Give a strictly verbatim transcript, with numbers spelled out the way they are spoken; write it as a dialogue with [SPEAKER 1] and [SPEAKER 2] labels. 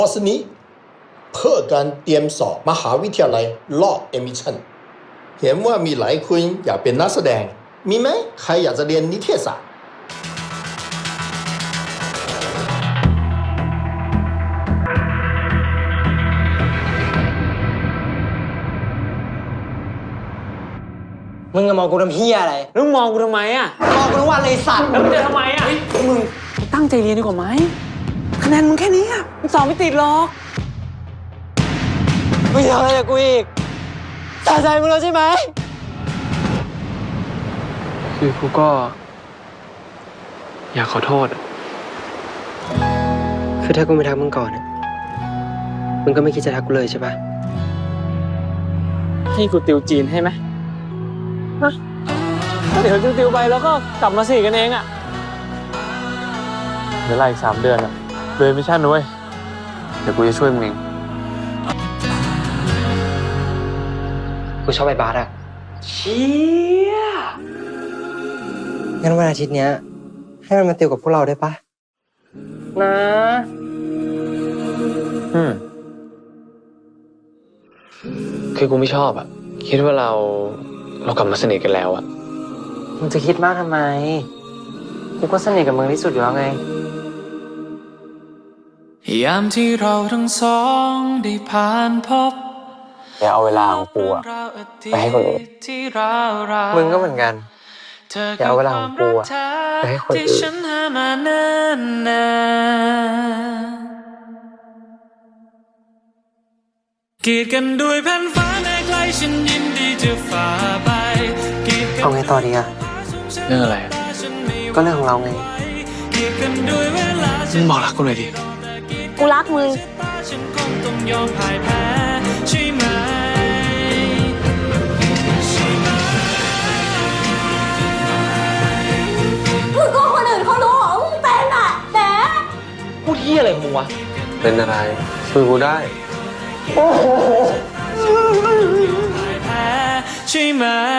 [SPEAKER 1] คอร์สนี้เพื่อการเตรียมสอบมหาวิทยาลัยรอบเอมิชันเห็นว่ามีหลายคนอยากเป็นนักแสดงมีไหมใครอยากจะเรียนนิเทศศาสตร์
[SPEAKER 2] มึงจะมองกูทำเฮียอะไรแล้วมองกูทำไมอ่ะมองกูทั้งวันเลยสัตว์แล้วมึงจะทำไมอ่ะมึงตั้งใจเรียนดีกว่าไหมคะแนนมึงแค่นี้อ่ะมึงสอบไม่ติดหรอกมึงทำอะไรกับกูอีกตาใจมึงแล้วใช่ไหม
[SPEAKER 3] คือกูก็อยากขอโทษคือถ้ากูไม่ทักมึงก่อนมึงก็ไม่คิดจะทักกูเลยใช่ปะให้กูติวจีนให้ไหมเดี๋ยวติวๆไปแล้วก็กลับมาสี่กันเองอ่ะเดี๋ยวไล่อีกสามเดือนอ่ะเลยมิชชั่นนุ้ยเดี๋ยวกูจะช่วยมึงเองกูชอบไอ้บาสอ่ะเชี่ยงั้นวันอาทิตย์เนี้ยให้มันมาติวกับพวกเราได้ปะนะอืมคือกูไม่ชอบอ่ะคิดว่าเราเรากลับมาสนิทกันแล้วอ่ะมึงจะคิดมากทำไมกูก็สนิทกับมึงที่สุดอยู่แล้วไง
[SPEAKER 4] ยามที่เราทั้งสองได้ผ่านพบ
[SPEAKER 3] อย่าเอาเวลาของกูอะไปให้คนอื่นมึงก็เหมือนกันอย่าเอาเวลาของกูอะไปให้คนอื่น
[SPEAKER 4] กีดกันด้วยแผ่นฟ้าในไกลฉันยินดีจะฝ่าไป
[SPEAKER 3] เอาไงต่อดีอะเรื่องอะไรก็เรื่องของเราไงมึงบอกรักกูเลยดิ
[SPEAKER 5] กูรักมึงมึงก็คนอื่นเขารู้เหรอมึงเป็นอ่ะแต่
[SPEAKER 2] พูดเฮียอะไรของมึงวะ
[SPEAKER 3] เป็นอะไรคุยกูได้
[SPEAKER 4] ใช่ไหม